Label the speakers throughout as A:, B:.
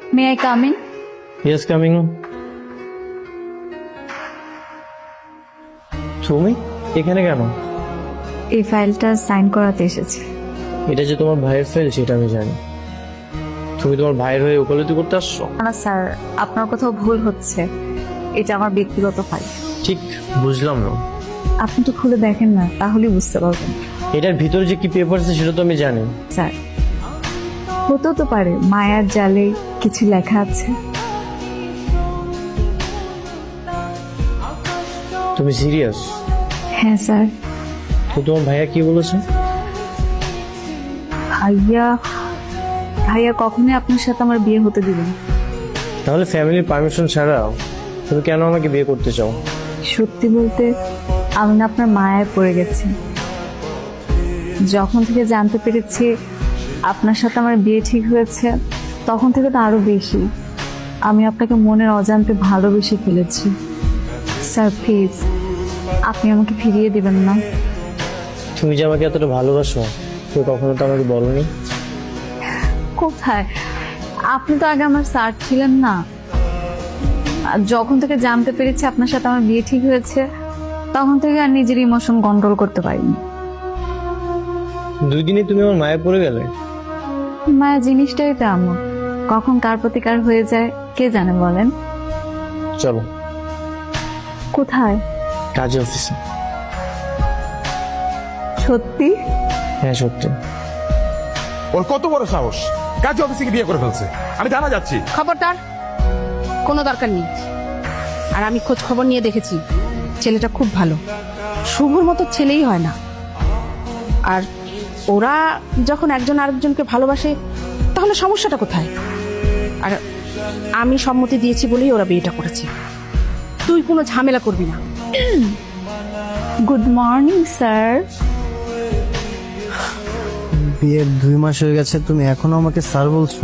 A: May I come in?
B: Yes, coming. তুমি এখানে কেন?
A: এই ফাইলটা সাইন করাতে এসেছি।
B: এটা যে তোমার ভাইয়ের ফাইল সেটা আমি জানি। তুমি তোমার ভাইয়ের হয়ে ওকালতি করতে আসছো?
A: না স্যার, আপনার কোথাও ভুল হচ্ছে। এটা আমার ব্যক্তিগত ফাইল।
B: ঠিক বুঝলাম না।
A: আপনি তো খুলে দেখেন না, তাহলেই বুঝতে পারবেন।
B: এটার ভিতরে যে কি পেপার আছে সেটা তো আমি জানি।
A: স্যার, হতেও তো পারে মায়ার জালে কিছু লেখা আছে।
B: তুমি সিরিয়াস?
A: হ্যাঁ স্যার।
B: তো তোমার ভাইয়া কি বলেছে?
A: ভাইয়া ভাইয়া কখনোই আপনার সাথে আমার বিয়ে হতে দিবেন না।
B: তাহলে ফ্যামিলির পারমিশন ছাড়া তুমি কেন আমাকে বিয়ে করতে চাও?
A: সত্যি বলতে আমি না আপনার মায়ায় পড়ে গেছি। যখন থেকে জানতে পেরেছি আপনার সাথে আমার বিয়ে ঠিক হয়েছে, তখন থেকে তো আরো বেশি আমি আপনাকে মনের অজান্তে ভালোবেসে ফেলেছি। স্যার প্লিজ, আপনি আমাকে ফিরিয়ে দিবেন না।
B: তুমি যে আমাকে এতটা ভালোবাসো তুমি কখনো তো আমাকে বলোনি।
A: কোথায়? আপনি তো আগে আমার স্যার ছিলেন না। আর যখন থেকে জানতে পেরেছি আপনার সাথে আমার বিয়ে ঠিক হয়েছে, তখন থেকে আর নিজের ইমোশন কন্ট্রোল করতে পারিনি।
B: 2 দিনে তুমি আমার মায়ে পড়ে গেলে।
A: মায়া জিনিসটাই তো এমন, কখন কার প্রতি কার হয়ে যায় কে জানে বলেন।
B: চলো।
A: কোথায়?
B: কাজে অফিসে।
A: সত্যি?
B: হ্যাঁ সত্যি।
C: ওর কত বড় সাহস, কাজে অফিসে গিয়ে বিয়ে করে ফেলছে। আমি জানা যাচ্ছি।
D: খবরদার, কোনো দরকার নেই। আর আমি খোঁজ খবর নিয়ে দেখেছি, ছেলেটা খুব ভালো, শুভর মতো ছেলেই হয় না। আর ওরা যখন একজন আরেকজনকে ভালোবাসে তাহলে সমস্যাটা কোথায়? আর আমি সম্মতি দিয়েছি বলেই ওরা বিয়েটা করেছে। তুই কোনো ঝামেলা করবি না।
A: Good morning sir.
E: বিয়ের 2 মাস হয়ে গেছে, তুমি এখনো আমাকে স্যার বলছো?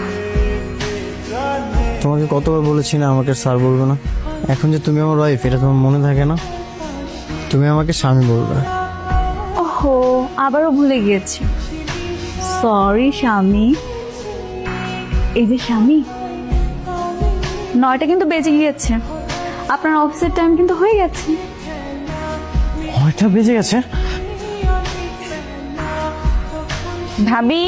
E: তোমাকে কতবার বলেছি না আমাকে স্যার বলবে না? এখন যে তুমি আমার ওয়াইফ, এটা তোমার মনে থাকে না? তুমি আমাকে স্বামী বলবে।
A: ওহো, আবারও ভুলে গিয়েছি। সরি স্বামী। এই যে স্বামী, 9টা কিন্তু বেজে গিয়েছে। আপনার অফিসের টাইম কিন্তু হয়ে গেছে।
E: 9টা বেজে গেছে?
A: ভাবি,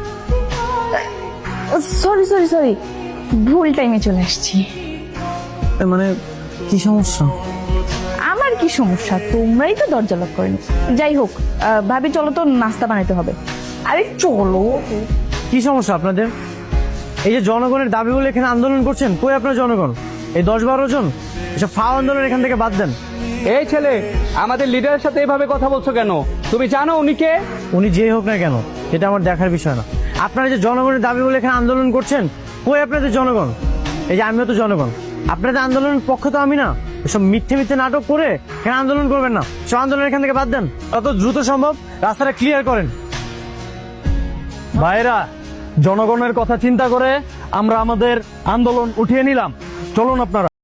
A: সরি সরি সরি, ভুল টাইমে চলে আসছি।
E: মানে কি সমস্যা?
A: আমার কি সমস্যা? তোমরাই তো দরজা লক করেনি। যাই হোক, ভাবি চলো তো নাস্তা বানাইতে হবে। আরে চলো।
E: কি সমস্যা আপনাদের? এই যে জনগণের দাবি বলে এখানে আন্দোলন করছেন, কই আপনার জনগণ? এই 10-12 জন এসব ফাও আন্দোলন এখান থেকে বাদ দেন।
F: এই ছেলে, আমাদের লিডারের সাথে এভাবে কথা বলছো কেন? তুমি জানো উনি কে?
E: উনি যেই হোক না কেন, এটা আমার দেখার বিষয় না। আপনারা যে জনগণের দাবি বলে এখানে আন্দোলন করছেন, কই আপনাদের জনগণ? এই যে আমিও তো জনগণ, আপনাদের আন্দোলনের পক্ষ তো আমি না। এসব মিথ্যে মিথ্যে নাটক করে এখানে আন্দোলন করবেন না। সব আন্দোলন এখান থেকে বাদ দেন, যত দ্রুত সম্ভব রাস্তাটা ক্লিয়ার করেন।
F: ভাইরা, জনগণের কথা চিন্তা করে আমরা আমাদের আন্দোলন উঠিয়ে নিলাম। চলুন আপনারা।